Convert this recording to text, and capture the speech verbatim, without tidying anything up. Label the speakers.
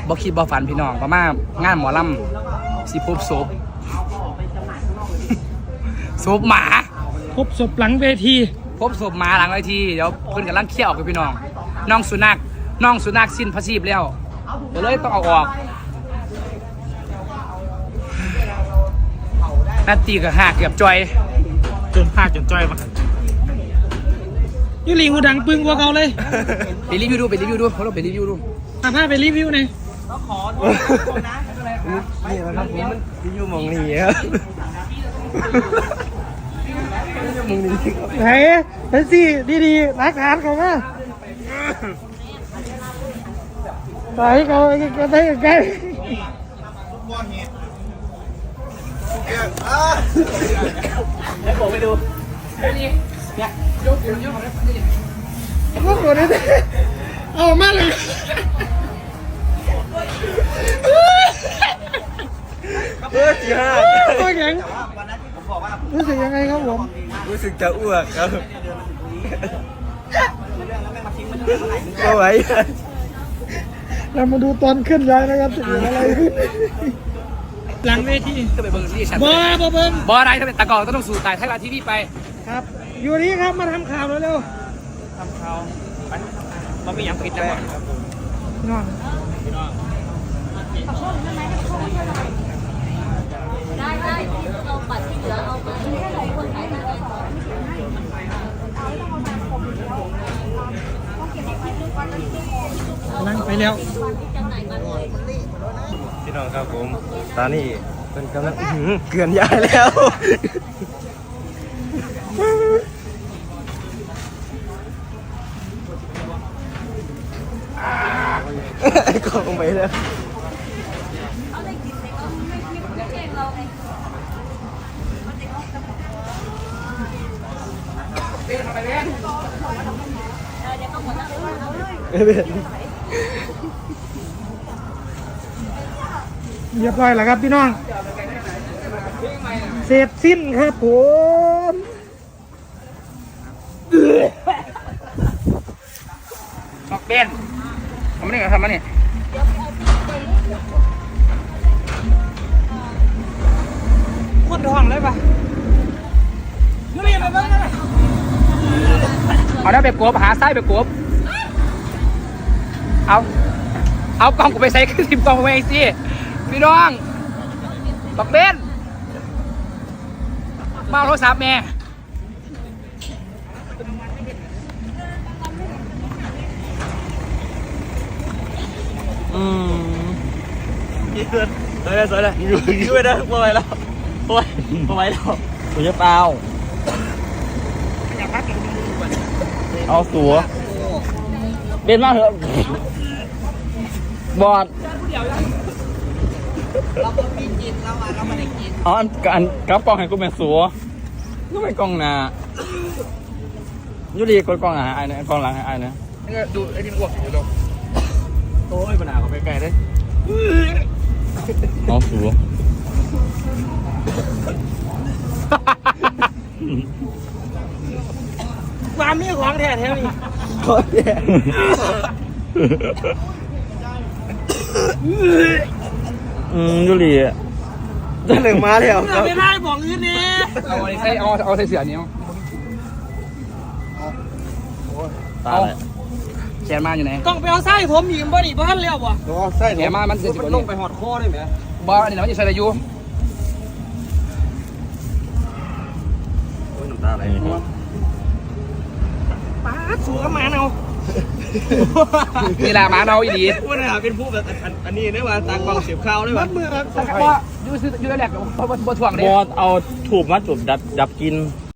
Speaker 1: บ่คิดบ่ฝันพี่น้องประมาณงานหมอลำสิพบศพศพหมา
Speaker 2: พบศพหลังเวที
Speaker 1: พบศพหมาหลังเวทีเดี๋ยวเพิ่นกำลังเคี่ยวกับพี่น้องน้องสุนัขน้องสุนัขสิ้นพระชีพแล้วเดี๋ยวเลยต้องเอาออกนาตีกับหักเกือบจอย
Speaker 2: จนพากจนจ้อยมายูรีหูดังปึ้งกว่าเก่าเลย
Speaker 1: ไปรีวิวดูไปรีวิวดูเขาลองไปรีวิวดู
Speaker 2: พาพาไปรีวิวหน่อย
Speaker 3: นี่นะครับผมมันอยู่มองนี่ครับมองนี่ครับ
Speaker 2: ไหนเป็นสิดีๆรักฐานเขามาไปเขาไปใกล้ๆ
Speaker 1: บอกไปดูนี่เนี่ยยกยกยกของนี่
Speaker 2: พวกคนนี้เอามาเลย
Speaker 3: เออจีห้า
Speaker 2: โอ้ยยังรู้สึกยังไงครับผม
Speaker 3: รู้สึกจะอ้วกครับก็ไหว
Speaker 2: เรามาดูตอนขึ้นย้ายนะครับจะเกิดอะไรขึ้นหลังเวที
Speaker 1: ก็ไปเบิ่งที่ฉัน
Speaker 2: บ้าบ้าเบิ้ง
Speaker 1: บออะไรถ้าเป็นตะกอกต้องสู่ตายไทยรัฐทีวีไป
Speaker 2: ครับอยู่นี่ครับมาทำข่าวเร็ว
Speaker 1: ทำเขาไปเราไม่ยังผิดนะ
Speaker 2: ๆน้อง
Speaker 4: ได้ได้เอาบัตรที่เหลือเอาไปคนไหนมาเลย
Speaker 2: นั่งไปแล้ว
Speaker 4: จำหน่ายมาเลย
Speaker 3: พี่น้องครับผมตอนนี้เป็นกำลังเกลื่อนยายแล้วไอ้กองไปแล้ว
Speaker 4: เอาเลยกินเลยเอาไม่คิดไม่แจ้งเราไง
Speaker 1: เป็นไปเล่น
Speaker 4: เดี๋ยวก็หมดแล้วเอาเลย
Speaker 2: เรียบร้อยแล้วครับพี่น้องเสร็จสิ้นครับผม
Speaker 1: นอกเบนทำมาเนี่ยทำมาเนี่ย
Speaker 2: ขวดทองเลยปะยูรีไปเบิ้งนะ
Speaker 1: เอาได้ไปกบหาไส้ไปกบเอาเอากล้องกูไปใส่ขึ้นทิมกล้องไปสิพี่น้องบักเบนมาโทรศัพท์แม่
Speaker 3: อืมยืดสวยเลยสวยเลยยืดยืดนะพอไหวแล้วพอไหวพอไหวแล้วผมจะเปล่าเอาสัวเบนมากเถอะบอดเราไม่กินเราอ่ะเราไม่ได้กินอ๋อการกลับกล้องให้กูเป็นสัวก็เป็นกล้องหน้ายุดีกดกล้องหน้าไอ้เนี่ยกล้องหลังไอ้เนี่ย
Speaker 1: นี่ก็ดูไอ้ที่มันอ้วกอยู่ตรง
Speaker 3: โอ้ยปัญหาเขาไปไกลเลยเอาสัว
Speaker 2: ความมีของแท้แท้นี่
Speaker 3: โคตรแย่อืมยุรีอ่ะจะหนึ่งมาแล้ว
Speaker 2: เราไม่ได้บอกอื่นนี่
Speaker 1: เอาอะไรใส่เอาเอาใส่เสือนี้
Speaker 3: ตาเลย
Speaker 1: แขนมาอยู่ไหน
Speaker 2: ต้องไปเอาไส้ผมอีกบ่ดิบ่ทันแล้วบ่
Speaker 3: ใช่
Speaker 1: แขนมามันเสียสิบ
Speaker 3: มัน
Speaker 1: ก
Speaker 3: ล
Speaker 1: ว่าง
Speaker 3: ไป
Speaker 1: นี่
Speaker 3: หอดคอได้ไหม
Speaker 1: บอลอันนี้มันจะใส่อายุ
Speaker 3: โอ้ยน้ำตาไหล
Speaker 2: ป้าสูกับหมาเอา
Speaker 1: นี่แหละหมาเนาอีดี
Speaker 3: ว่าเนี่ยเป็นผู้แบบอันนี้ได้ว่าตากวางเสียบข้าวได้
Speaker 2: มั
Speaker 3: ว่า
Speaker 2: ดมือครับ
Speaker 1: แต่ว่ายูซื้อยูได้แหลกเพราะว่าถ่วง
Speaker 3: บ
Speaker 1: เนี่ย
Speaker 3: อเอาถูกมาจุดดับดับกิน
Speaker 1: อ